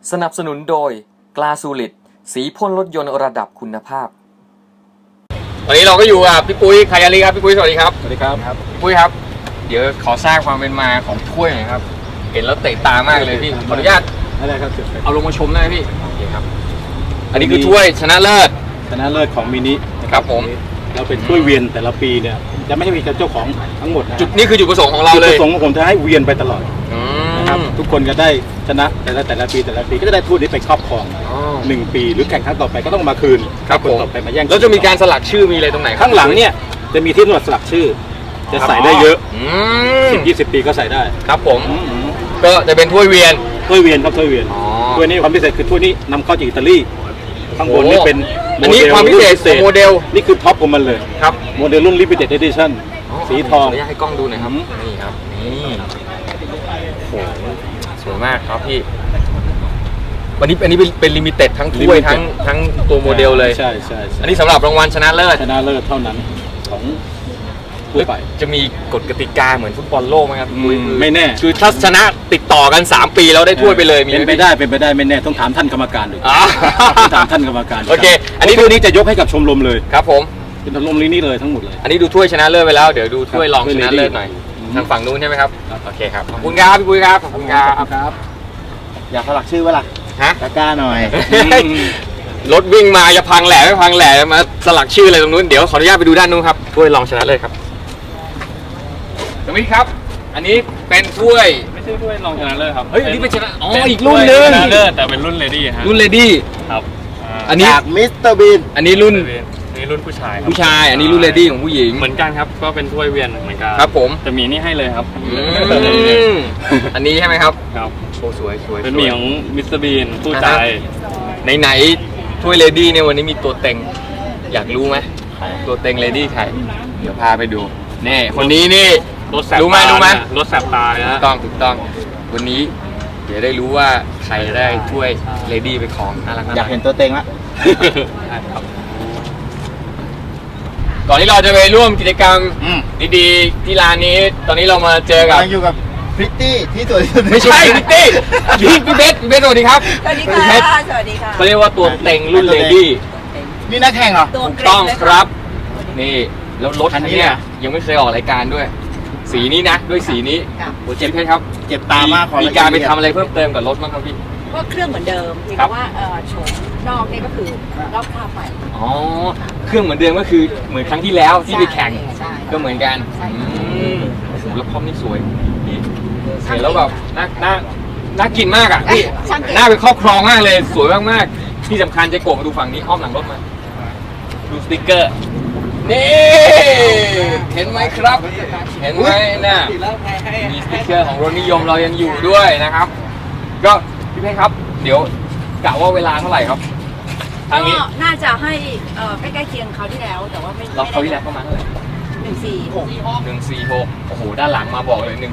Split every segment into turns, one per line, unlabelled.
สนับสนุนโดยกลาสูลิดสีพ่นรถยนต์ระดับคุณภาพวันนี้เราก็อยู่กับพี่ปุ้ยคายาลีครับพี่ปุ้ยสวัสดีครับ
สวัสดีครับ
พี่ปุ้ยครับเดี๋ยวขอทราบความเป็นมาของถ้วยหน่อยครับเห็นแล้วเตะตามากเลยพี่ขออนุญาต
อะไรครับ
เอาลงมาชมได้ไหมพี่โอเคครับอันนี้คือถ้วยชนะเลิศ
ของมินิ
ครับผม
เราเป็นถ้วยเวียนแต่ละปีเนี่ยจะไม่ให้มีเจ้าของทั้งหมดนะ
จุดนี้คือจุดประสงค์ของเราเลย
จุดประสงค์ของผมจะให้เวียนไปตลอดนะครับทุกคนจะได้ชนะแต่ละปีก็จะได้ถ้วยนี้ไปครอบครอง1 ปีหรือแข่งครั้งต่อไปก็ต้องมาคืน
ครับผม
ต่อไปมาแย่ง
แล้วจะมีการสลักชื่อมีอะไรตรงไหน
ข้างหลังเนี่ยจะมีที่นวดสลักชื่อจะใส่ได้เยอะ10-20 ปีก็ใส่ได้
ครับผมก็จะเป็นถ้วยเวียน
ครับถ้วยเวียนถ้วยนี้ความพิเศษคือถ้วยนี้นำเข้าจากอิตาลีข้างบนนี่เป็น
อันนี้ความพิเศษของโมเดล
นี่คือท็อปของมันเลย
ครับ
โมเดลรุ่น Limited Edition สีทอง
ให้กล้องดูหน่อยครับนี่ครับนี่โอ้สวยมากครับพี่อันนี้เป็นลิมิเต็ดทั้งถ้วยทั้งตัวโมเดลเลย
ใช่
อันนี้สำหรับรางวัลชนะเลิศ
เท่านั้นของทั่วไป
จะมีกฎกติกาเหมือนฟุตบอลโลกไหมครับ
ไม่แน่
คือถ้าชนะติดต่อกัน3 ปีแล้วได้ถ้วยไปเลย
เป็นไปได้ไม่แน่ต้องถามท่านกรรมการดูถามท่านกรรมการ
โอเค
อันนี้ตัวนี้จะยกให้กับชมรมเลย
ครับผม
เป็นชมรมนี้เลยทั้งหมดเลย
อันนี้ดูถ้วยชนะเลิศไปแล้วเดี๋ยวดูถ้วยรองชนะเลิศหน่อยทางฝั่งนู้นใช่ไหมครับโอเคครับขอบคุณครับพี่ปุ้ยครับขอบคุณครับ
อยากสลักชื่อไว้ล่ะกล้าหน่อย
รถวิ่งมาจะพังแหล่ไม่พังแหล่มาสลักชื่ออะไรตรงนู้นเดี๋ยวขออนุญาตไปดูด้านนู้นครับถ้วยรองชนะเลิศครับตรงนี้ครับอันนี้เป็นถ้วย
ไม่ใช่ถ้วยรองชนะเลิศครับ
เฮ้ยนี่เป็นชนะอีกรุ่นนึง
ชนะเลิศแต่เป็นรุ่นเลดี้ฮะ
รุ่นเลดี้
ครับ
อันนี้
จากมิสเตอร์บีน
อันนี้รุ่น
ผู้ชาย
อันนี้รุ่นเลดี้ของผู้หญิง
เหมือนกันครับก็เป็นถ้วยเวียนเหมือนกัน
ครับผม
จะมีนี่ให้เลยครับ
อันนี้ใช่ไหมครับ
ครับ
โอ้สวย
เป็นมีของมิสเตอร์บีนผู้ชาย
ไหนถ้วยเลดี้เนี่ยวันนี้มีตัวเต็งอยากรู้ไหมตัวเต็งเลดี้ใครเดี๋ยวพาไปดูนี่คนนี้นี่รู้ไหม
รถแสบตาเลยนะ
ถูกต้องวันนี้เดี๋ยวได้รู้ว่าใครได้ถ้วยเลดี้ไปของน่ารัก
อยากเห็นตัวเต็งละ
ก่อนที่เราจะไปร่วมกิจกรรมดีๆที่ร้านนี้ตอนนี้เรามาเจอกับ
อยู่กับพริตตี้ที่สวยที่สุด
ไม่ใช่พริตตี้พี่เบสสวัสดีครับ
สวัสดีค่ะ
เขาเรียกว่าตัวเต็งรุ่นเลดี้
นี่นักแข่งเหรอ
ถูกต้องครับนี่แล้วรถคันนี้ยังไม่เคยออกรายการด้วยสีนี้นะด้วยสีนี้โอ้เจ็บไหมครับ
เจ็บตามาก
มีการไปทำอะไรเพิ่มเติมกับรถบ้างครับพี่
ก็เครื่องเหมือนเดิมเพียงแต่ว่าโฉมนอกนี่ก็คือรอบคาบใหม่
เครื่องเหมือนเดิมก็คือเหมือนครั้งที่แล้วที่ไปแข่งก็เหมือนกันแล้วพร้อมนี่สวยเห็นแล้วแบบน่ากินมากอ่ะพี่น่าไปครอบครองมากเลยสวยมากๆที่สำคัญจะโกะมาดูฝั่งนี้อ้อมหลังรถมาดูสติ๊กเกอร์นี่เห็นไหมครับเห็นไหมน่ะมีสติ๊กเกอร์ของรถนิยมเรายังอยู่ด้วยนะครับก็พี่เพชรครับเดี๋ยวกะว่าเวลาเท่าไหร่ครับ
ทางนี้น่าจะให้ใกล้ๆเคียงเขาที่แล้วแต่ว่าไม่
เขาที่แล้วประมาณเท่าไหร่146โอ้โหด้านหลังมาบอกเลย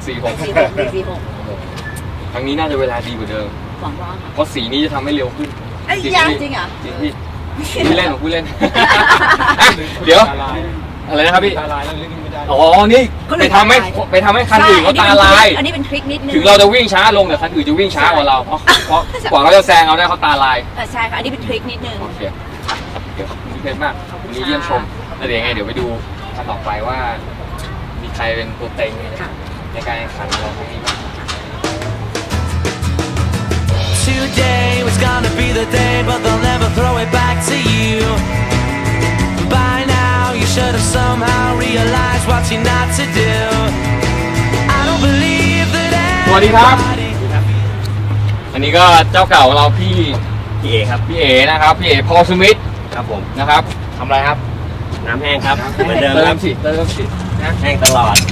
146ครั้งนี้น่าจะเวลาดีกว่าเดิมเพราะสีนี้จะทำให้เร็วขึ้น
จริงเหรอ
จริงพี่ผู้เล่นของผู้เล่นเดี๋ยวอะไรนะครับพี่นี่ไปทำให้คันอื่นเขาตาลาย
อันนี้เป็นทริคนิดนึง
ถึงเราจะวิ่งช้าลงแต่คันอื่นจะวิ่งช้ากว่าเราเพราะกว่าเขาจะแซงเราได้เขาตาลาย
ใช่ค่ะอันนี้เป็นทริคนิดนึง
โอเคเดี๋ยวพี่เพชรมากวันนี้เยี่ยมชมแล้วเดี๋ยวไงเดี๋ยวไปดูคันต่อไปว่ามีใครเป็นตัวเต็งในการแข่งขันเราครั้งนี้บ้าง
Today was gonna be the day, but they'll never throw it back to you. By now, you should have somehow realized what you're not to do. I don't believe that.
สวัสดีครับอันนี้ก็เจ้าเก่าของเราพี่เอครับพี่เอนะครับพี่เอพอลสมิธ
ครับผม
นะครับทำอะไรครับ
น้ำแห้งครับเหมือนเดิม
เติมสิ
แห้งตลอด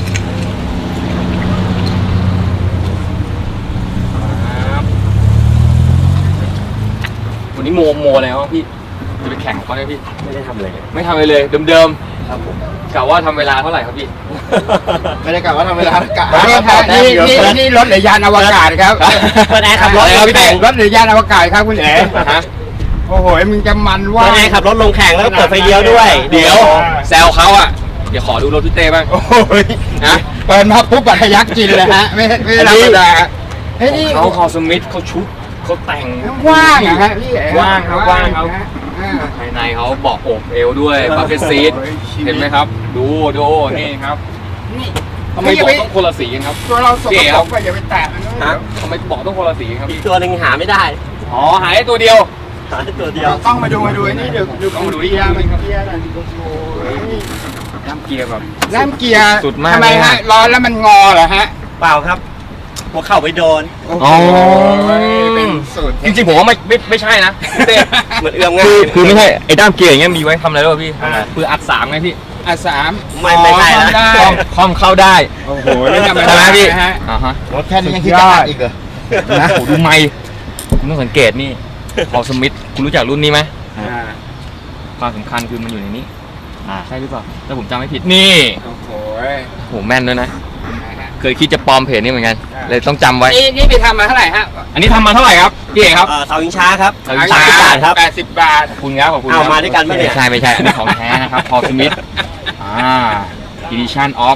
วันนี้โมอะไรวะพี่จะไปแข่งเขาได้พี่
ไม่ได้ทำอะไร
เลยเดิม
ครับผม
กะว่าทำเวลาเท่าไหร่ครับพี่
ไม่ได้กะว่าทำเวลากะ
นี่รถหรือยานอวกาศครับ
แอร์ขับรถ
พี่แต่งรถหรือยานอวกาศครับคุณเอ๋โอ้โหมึงจะมันว่า
แอร์ขับรถลงแข่งแล้วก็เปิดไฟเลี้ยวด้วย
เดี๋ยวแซวเขาอ่ะเดี๋ยวขอดูรถพี่เต้บ้าง
โอ้ยนะเปิดมาปุ๊บบัตรยักกินเลยฮะไม่ธรรมดา
เขาสมิธเขาชุบเขาแต่ง
ว่างอะฮะพี่เอ๋
ว่างครับว่างครับ
อ่า
ภายในเขาเบาะอกเอวด้วยบัฟเฟตซีทเห็นไหมครับ ดูนี่ครับ
นี่
ทำไมเบาะต้องคนละสีกันครับ
ตัวเราสก
พี่เอ๋
ป
ค
ร
รับ
กไปอย่าไปแตะมันนะ
ทำไมเบาะต้องคนละสีครับ
อีกตัวหนึ่งหาไม่ได้
อ๋อหายได้ตัวเดียว
หาได้ตัวเดียว
ต้องมาดูไอ้นี่ดู
ต้องมาดู
เกียร์มันเกียร์น่ะโอ้ย
น้ำเกียร์แบบ
น้ำเกียร์
สุดมาก
ทำไม
เลย
ฮะ
ฮะ
ร้อนแล้วมันงอเหรอฮะ
เปล่าครับหัวเข่าไปโดน
โอ้
อ๋
โห
อ
เป็นสูตร
จริงๆผมว่าไม่ใช่นะพี่เต้
เหมือนเอื้อมง่าย
คือไม่ใช่ไอ้ด้ามเกียร์อย่างเงี้ยมีไว้ทำอะไรด้วยพี่
ทำอะไร
คืออัดสามไงพี่
อ่ะสาม
ไม่ใช่นะ
ได้
คอมเข้าได้
โอ้โหนี่ธรรม
ใช่
ดา
ไหมพี่
ฮะ
อ่าฮะ
รถแค่นี้ยังคิดจะอัดอีกเหรอ
นะโหดูไมค์คุณต้องสังเกตนี่พอสมิธคุณรู้จักรุ่นนี้ไหม
อ่า
ความสำคัญคือมันอยู่ในนี้ใช่หรือเปล่าถ้าผมจำไม่ผิดนี่
โอ้โห
โหแม่นด้วยนะ เคยคิดจะปลอมเพจนี้เหมือนกัน เลยต้องจำไว้
นี่ไปทำมาเท่าไหร่ฮะ
อันนี้ทำมาเท่าไหร่ครับพี่เอกครับ
เสาอิงช้าครับ
เสาอิงช้า
30 บาทครับ
80 บาท
ขอบคุณครับขอบคุณ
เอา
ครับ
มาด้วยกันปะเนี่ย
ไม่ใช่อันนี้ของแท้นะครับพอสมิธedition of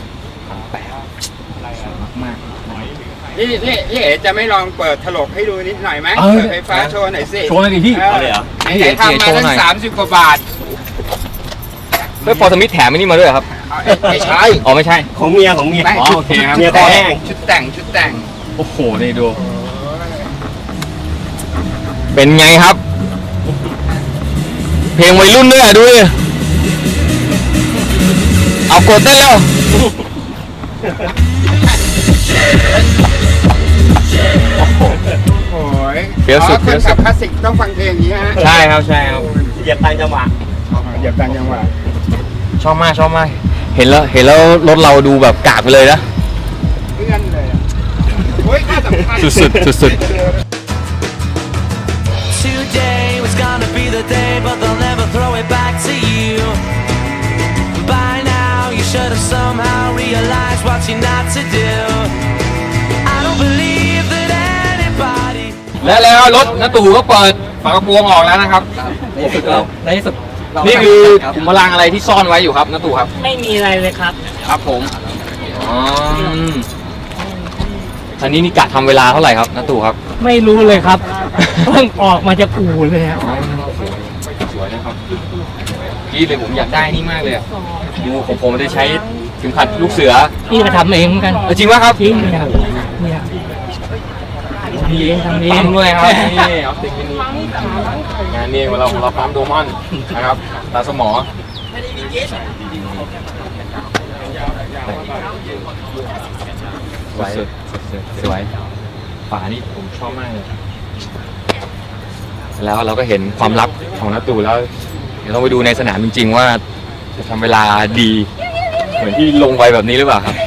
มาก
นี่เอ๋จะไม่ลองเปิดถลกให้ดูนิดหน่อยไหม
เออ
เปิดไฟฟ้าโชว์หน่อยสิ
โชว์หน่อยดิพี่
เอาเลยเหรอ
ไหนๆทำมาตั้ง30 กว่าบาท
แล้วพอสมิธแถมอันนี้มาด้วยเหรอครับ
ไม่ใช่
อ๋อไม่ใช่
ของเมียของเมีย
ไม่
อ๋อโอเคครับ
เมียคอแห้ง
ชุดแต่ง
โอ้โหนี่ดู เป็นไงครับ เพลงวัยรุ่นด้วยอ่ะดูดิเอากดเต้นแล้ว
โอ้ย
เฟี้ยวสุด
คน
เฟี้ยวสุ
ขั
ด
บคลาสสิกต้องฟังเพลงอย่างนี้ฮะ
ใช่ครับใช่ครับ
เหยียบตามจังหวะ
เหยียบตังยังหวะ
ชอบมากเห็นแล้วรถเราดูแบบกากไปเลยนะ
เพื่อนเลยอะโอ้ยน่าสำคัญ
สุด
Today was gonna be the day, but they'll never throw it back to you. By now, you should have somehow realized what you're not to do. I don't believe that anybody.
และแล้วรถน้าตู่ก็เปิดฝากระโปรงออกแล้วนะครับ
ในที่สุด
นี่คือขุมพลังอะไรที่ซ่อนไว้อยู่ครับน้าตู่ครับ
ไม่มีอะไรเลยครับ
ครับผมอ๋ออันนี้นี่กะทำเวลาเท่าไหร่ครับน้าตู่ครับ
ไม่รู้เลยครับ เพิ่งออกมาจากอู่เลยครับ
สวยนะครับพี่เลยผมอยากได้นี่มากเลยอะดูของผมมันจะใช้เข็มขัดลูกเสือ
นี่ก็ทำเองเหมือนกัน
จริงป่ะครับ
จริงเนี่ยครับเนี่ยทำเองทำเอง
ปั๊มด้วยครับนี่เอาติ๊กมินิงานนี้เราปั๊มโดมอนนะครับตาสมอสวยสวยฝานี่ผมชอบมากเลยแล้วเราก็เห็นความลับของน้าตู่แล้วเดี๋ยวเราไปดูในสนามจริงๆว่าจะทำเวลาดีเหมือนที่ลงไว้แบบนี้หรือเปล่าครับ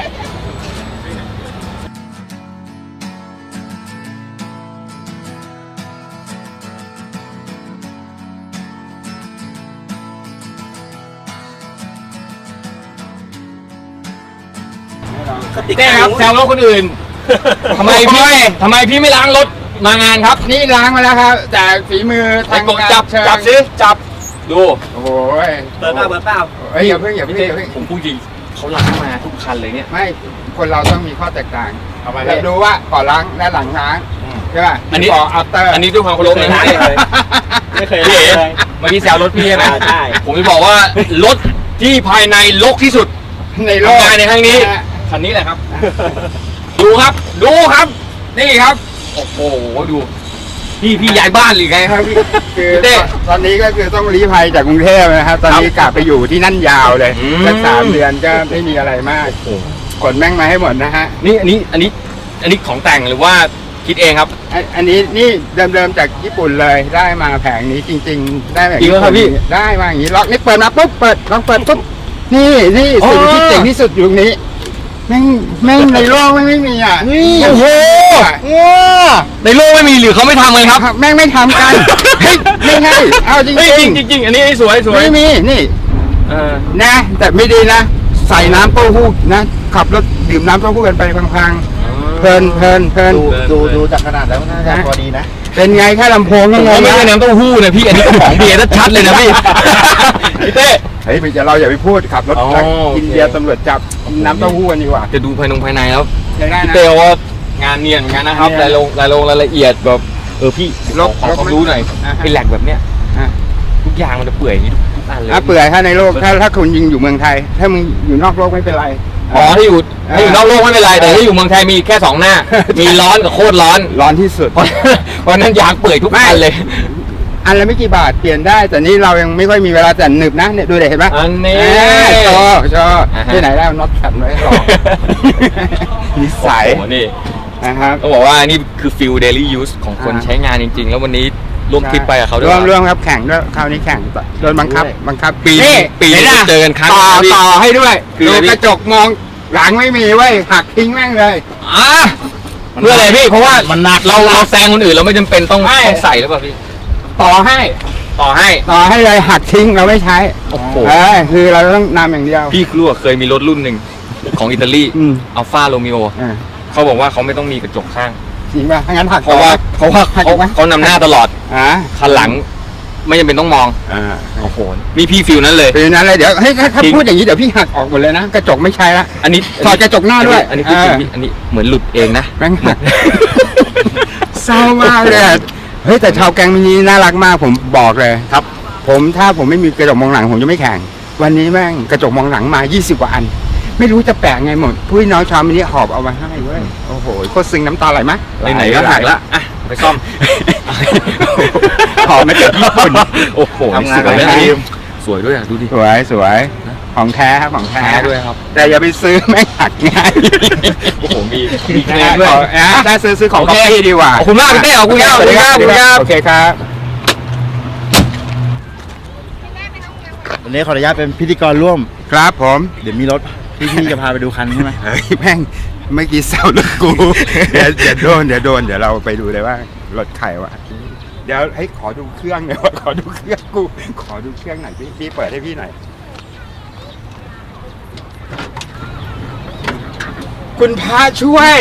เต้ครับแซวรถคนอื่น ทำไมพี่ไม่ล้างรถมางานครับ
นี่ล้างมาแล้วครับ แต่ฝีมือ
ไอ้
ทาง
กด
การ
จับ
เชิญ
สิจับดู
โอ้ย
เปิดเปล่า
เอ้ยอย่าเพิ่ง
พี่เต้ผมพูดจริงเขาล้างมาทุกคันเลยเนี่ย
ไม่คนเราต้องมีข้อแตกต่าง
ทำไม
เราดูว่าก่อนล้างและหลังล้างใช่ป่ะ
อันนี้
ก่อนอัปเตอร์
อันนี้ด้วยความเคารพนะ
ไม่เคย
พี่
ล้าง
เอ๋
เลย
เมื่อกี้แซวรถพี่ใช่ไหม
ใช่
ผมจะบอกว่ารถที่ภายในรกที่สุด
ในโลก
ทำงานในครั้งนี้คันนี้แหละครับ ดูครับนี่ครับ โอ้โหดูพี่ย้ายบ้านหรือไงครับพี่
คือ
เต้
ตอนนี้ก็คือต้องลี้ภัยจากกรุงเทพนะครับตอนนี้กลับไปอยู่ที่นั่นยาวเลย
อืม
สัก3 เดือนก็ไม่มีอะไรมากขนแม่งมาให้หมดนะฮะ
นี่อันนี้ของแต่งหรือว่าคิดเองครับ
อันนี้นี่เดิมๆจากญี่ปุ่นเลยได้มาแผงนี้จริง ๆ ได้แบบ
จริงเหรอครับพี่
ได้มาอย่างนี้ล็อกนี่เปิดมาปุ๊บลองเปิดปุ๊บนี่สิ่งที่เจ๋งที่สุดอยู่ตรงนี้แม่งในโลกไม่มีอ่ะนี่
โอ้โหในโลกไม่มีหรือเขาไม่ทำเลยครับ
แม่งไม่ทำกันเฮ้ยไม่ใช่เอาจริง
เฮ้ย
ๆ
จริงอันนี้สวย
ไม่มีนี่
เออ
นะแต่ไม่ดีนะ ใส่น้ำเต้าหู้นะขับรถดื่มน้ำเต้าหู้กันไปพังๆเพลิน
ดูจากขนาดแล้วน่าจะพอดีนะ
เป็นไงแค่ลำโพงก็
ผม
ง
ว่าง ไม่ใช่
นะ
น้ำเต้าหู้นะพี่อันนี้ก็ของเบียร์ชัดเลยนะพี่พี่เต้
เฮ้ยเราอย่าไปพูดขับรถ
อ๋อ
กินเบียร์ตำรวจจับกินน้ำเต้าหู้กันดีกว่า
จะดูภายในแล้ว
ใช้ได้
พี่
นะ
เต้ว่างานเนียนเหมือนกันนะครับ
เนี
ราย
น
ลงรายละเอียดแบบพี่
ลบ
ขอ
ลบ
ความรู้หน่อย
อ่าฮะ
ไอ้แหลกแบบเนี้ย
อ่ะ
ทุกอย่างมันจะเปื่อยอย่างนี้ทุกอันเลย
เปื่อยถ้าในโลกถ้าคุณยิงอยู่เมืองไทย ถ้ามึงอยู่นอกโลกไม่เป็นไร
อ๋อถ้าอยู่นอกโลกไม่เป็นไรแต่ถ้าอยู่เมืองไทยมีแค่2 หน้า มีร้อนกับโคตรร้อน
ร้อนที่สุด
เพราะนั้นยางเปื่อยทุกอันเลย
อันละไม่กี่บาทเปลี่ยนได้ แต่นี่เรายังไม่ค่อยมีเวลาแต่หนึบนะเนี่ยดูเด็เห็นปะ
อันนี้
ชอ
อ่าฮะ
ที่ไหนแล้วน็อตขัดไว้หรอนิสัย
โอ้โหนี่
นะครับ
ต้องบอกว่านี่คือฟิลเดลี่ยูสของคนใช้งานจริงๆ แล้ววันนี้ร่วมทริปไปกับเขาด้วย
ร่วมครับแข่งด้วยคราวนี้แข่งโดนบังคับ
ปี
นี่
ปี
ห็น
นี้
ปะ
เจอกันครั้ง
ต่อ
นะพี่
ต่อให้ด้วย
คือ
ดู
อะไรพี่
กระจกมองหลังไม่มีเว้ยหักทิ้งแม่งเลย
อ่ะเพื่ออะไรพี่เพราะว่ามันหนักเราแซงคนอื่นเราไม่จำเป็นต้อง
ไม่
ใส่หรือเปล่าพี่
ต่อให้
ต่อให้
เลยหักทิ้งเราไม่ใช้
โอ้โห
คือเราต้องนำอย่างเดียว
พี่รู้ว่าเคยมีรถรุ่นหนึ่งของอิตาลี
อืม
อัลฟาโรมิโอ
อ่า
เขาบอกว่าเขาไม่ต้องมีกระจกข้าง
จริงป่ะถ้างั้นหัก
เพราะว่า
หักอีกไหม
เขานำหน้าตลอด คันหลัง ไม่จำเป็นต้องมอง โอ้โหนี่พี่ฟิลนั้นเลย
ปีนั้นเลยเดี๋ยวให้ถ้า
จริง
พูดอย่างนี้เดี๋ยวพี่หักออกหมดเลยนะกระจกไม่ใช้ละ
อันนี้
ถอดกระจกหน้าด้วย
อันนี้พูดจริงพี่อันนี้เหมือนหลุดเองนะ
แม่งหักเศร้ามากเลยอะเฮ้ยแต่ชาวแก๊งมินิน่ารักมากผมบอกเลย
ครับ
ถ้าผมไม่มีกระจกมองหลังผมจะไม่แข่ง วันนี้แม่งกระจกมองหลังมา 20 กว่าอัน ไม่รู้จะแปะไงหมดผู้น้องชาวมินิหอบเอามาให้เว้ยโอ้โหโคตรซึ้งน้ำตาไหลไหม
ไหนๆก็หักแล้วอ่ะไปซ่อม
หอบมาจากญี่ปุ่น
โอ้โห
ทำงาน
สวย
กับ
นะ
ทีม
สวยด้วยอ่ะดูดิ
สวยของแท้ครับของแท้
แท้ด้วยครับ
แต่อย่าไปซื้อแม่งหักง่าย
โอ้โหมีเคลมด้วย
ถ้าซื้อของ
โอ
ก๊อ
เค
ปปี้ดีกว่า
ขอบคุณมากพี่เต้ขอบคุณครับขอบคุณครับขอบคุณครับ
โอเคครับ
วันนี้ขออนุญาตเป็นพิธีกรร่วม
ครับผม
เดี๋ยวมีรถพี่จะพาไปดูคันใช่ไหม
เฮ้ยแม่งเมื่อกี้แซวรถกู เดี๋ยวโดนเดี๋ยวเราไปดูเลยว่ารถใครวะเดี๋ยวให้ขอดูเครื่องหน่อยว่าขอดูเครื่องกูขอดูเครื่องหน่อยพี่เปิดให้พี่หน่อยคุณพระช่วย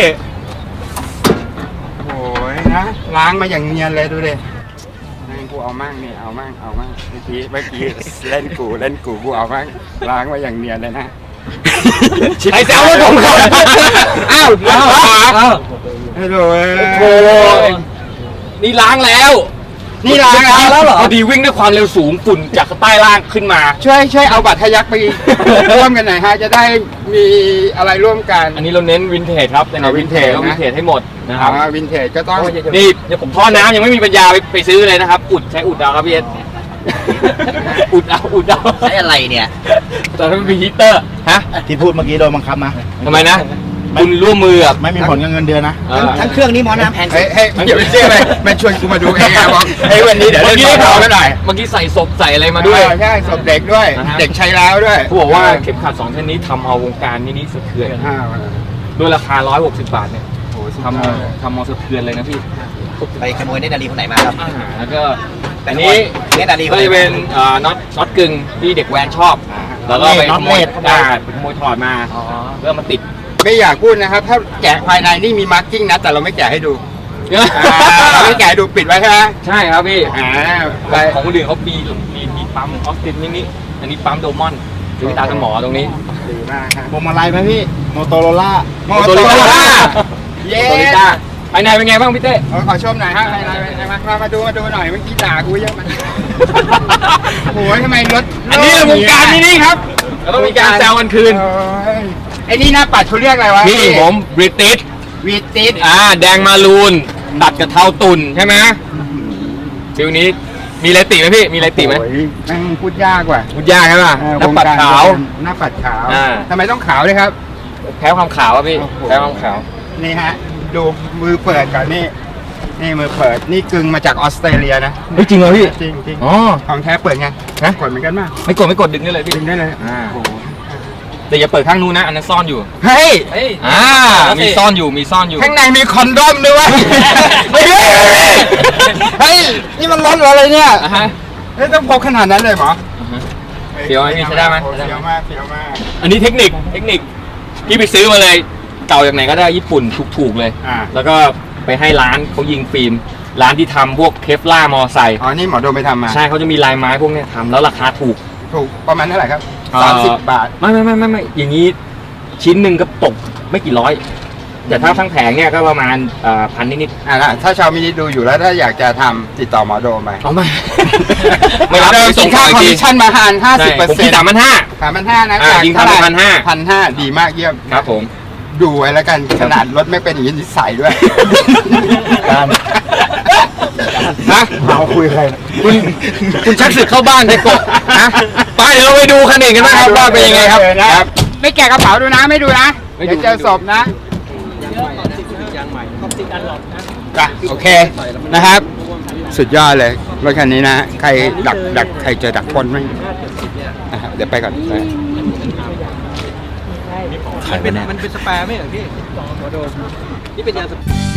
โอ้ยนะล้างมาอย่างเนียนเลยดูดินั่งกูเอามั่งนี่เอามั่งเมื่อกี้เล่นกูเอามั่งล้างมาอย่างเนียนเลยนะ
ไอ้แซวรถผมก่อน
อ้าวฮัลโหล
โอ้ยนี่ล้างแล้ว
นี่ล้างแล้วเหรอ
พอดีวิ่งด้วยความเร็วสูงฝุ่นจากใต้ล่างขึ้นมา
ช่วยเอาบัตรทะยักไป ร่วมกันหน่อยฮะจะได้มีอะไรร่วมกัน
อันนี้เราเน้นวินเทจครับในวินเทจ
นะ
ก็วินเทจให้หมดนะครับ
วินเทจก็ต้อง
นี่เดี๋ยวผมท่อน้ำยังไม่มีปัญญาไปซื้อเลยนะครับ ใช้อุดเอาครับพี่เอส อุดเอา
ใช้อะไรเนี่ย
แต่ถ้ามันมีฮีตเตอร์ฮะ
ที่พูดเมื่อกี้โดนบังคับนะ
ทำไมนะคุณร่วมมือกับ
ไม่มีผลกับเงินเดือนนะ
ทั้งเครื่องนี้หมอน้ำแพงสุด
เฮ้ยอย่าไปเชื่อเลยมันชวนกูมาดูเองอะบอกเฮ้ยวันนี้เดี๋ยวเล่นบอลเขากันหน่อย
เมื่อกี้ใส่ศพใส่อะไรมาด้วย
ใช่ศพเด็กด้วย
นะฮะ
เด็กใช้แล้วด้วย
เขาบอกว่าเข็มขัด2เส้นนี้ทำเอาวงการมินิสะเทือนด้วยราคา160 บาทเนี่ยทำเอาสะเทือนเลยนะพี่
ไปขโมยเนตรนารีคนไหนมาครับ
แล้วก็อันนี้
เนตรนารี
ก็จะเป็นน็อตกึ่งที่เด็กแวนชอบ แล้วก็ไปขโมยถอดมาเพื่อมาติด
ไม่อยากพูดนะครับ ถ้าแกะภายในนี่มีมาร์กิ้งนะแต่เราไม่แกะให้ดูเราไม่แกะให้ดูปิดไว้ใช่ไหม
ใช่ครับพี่
ไป
ของคนอื่นเขามีปั๊มออสตินนี่อันนี้ปั๊มโดมอนคือตาสมอตรงนี้
ดีมากครับ
พวงมาลัยไหมพี่โมโตโรล่า
โมโตโรล่าเย้
โตโยต้าภายในเป็นไงบ้างพี่เต้
ขอชมหน่อยฮะมาดูหน่อยเมื่อกี้ด่ากูเยอะมันโอ้ยทำไมรถ
อันนี้วงการมินิครับแล้วก็มีการแซวกันคืน
ไอ้นี่หน้าปัดเขาเรียกอะไรวะ
นี่ผมบริติช
วีติส
แดงมารูนตัดกับเทาตุ่นใช่ไหมฟิวนี้มีอะไรติไหมพี่มีอะไรติไหม
โอ้ยแม่งพูดยากว่ะ
พูดยากใช่ป่ะหน้าปัดขาว
หน้าปัดขาว
อ่า
ทำไมต้องขาวเลยครับ
แพ้ความขาวอ่ะพี่
โอ้โห
แพ้ความขาว
นี่ฮะ ดูมือเปิดก่อนนี่มือเปิดนี่กึ่งมาจากออสเตรเลียนะ
เฮ้ยจริงเหรอพี่
จริงจริง
อ๋อ
ของแท้เปิดไง
ฮะ
กดเหมือนกันมาก
ไม่กดดึงได้เลยพี่
ดึงได้เลย
อ่า แต่อย่าเปิดข้างนู้นนะอันนั้นซ่อนอยู่
เฮ้ย
มีซ่อนอยู่
ข้างในมีคอนโดอมด้วยวะเฮ้ยนี่มันรถอะไรเนี่ย
อ่ะฮะ
เฮ้ยต้องพกขนาดนั้นเลยเหรอ
เฟี้ยวไหมพี่ใช้ได้ไหม
เฟี้ยวมาก
อันนี้เทคนิคพี่ไปซื้อมาเลยเก่าจากไหนก็ได้ญี่ปุ่นถูกๆเลย แล้วก็ไปให้ร้านเขายิงฟิล์มร้านที่ทำพวกเคฟล่ามอไซค์
อ๋อนี่หมอโดมไปทำมา
ใช่เขาจะมีลายไม้พวกเนี้ยทำแล้วราคาถูก
ประมาณเท่าไหร่ครับ
เอ่อ
30 บาท
ไม่อย่างนี้ชิ้นหนึ่งก็ตกไม่กี่ร้อยแต่ถ้าทั้งแผงเนี่ยก็ประมาณพันนิด
ถ้าชาวมินิดูอยู่แล้วถ้าอยากจะทำติดต่อหมอโดมไป
ๆเอามาไม่รับ
เดิม
ไป
กิ
ส่
น
ง
ค่า
ต่อ
คอม
ที
มิชชั่นมาหัน50%
ผมคิด3,500
3,500นะ
ยิง
เท่าไหร่
1,500
1,500ดีมากเยี่ยม
ครับผม
ดูไว้แล้วกันขนาดรถไม่เป็นอย่างนี้นิสัยด้วย
การ
ฮะ
เอาคุยใคร
คุณชักศึกเข้าบ้านไปกดนะไปเดี๋ยวเราไปดูคันอื่นกันบ้างครับว่าเป็นยังไงครับครับ
ไม่แกะกระเป๋าดูนะไม่ดูนะ
ไม่ดู
เดี๋ยวเจอศพนะจ้ะโอเคนะครับ สุดยอดเลยรถคันนี้นะใครดักใครเจอดักปล้นไหมเดี๋ยวไปก่อน
มันเป็นสแปร์ไม่เหรอพี่นี่เป็นยาง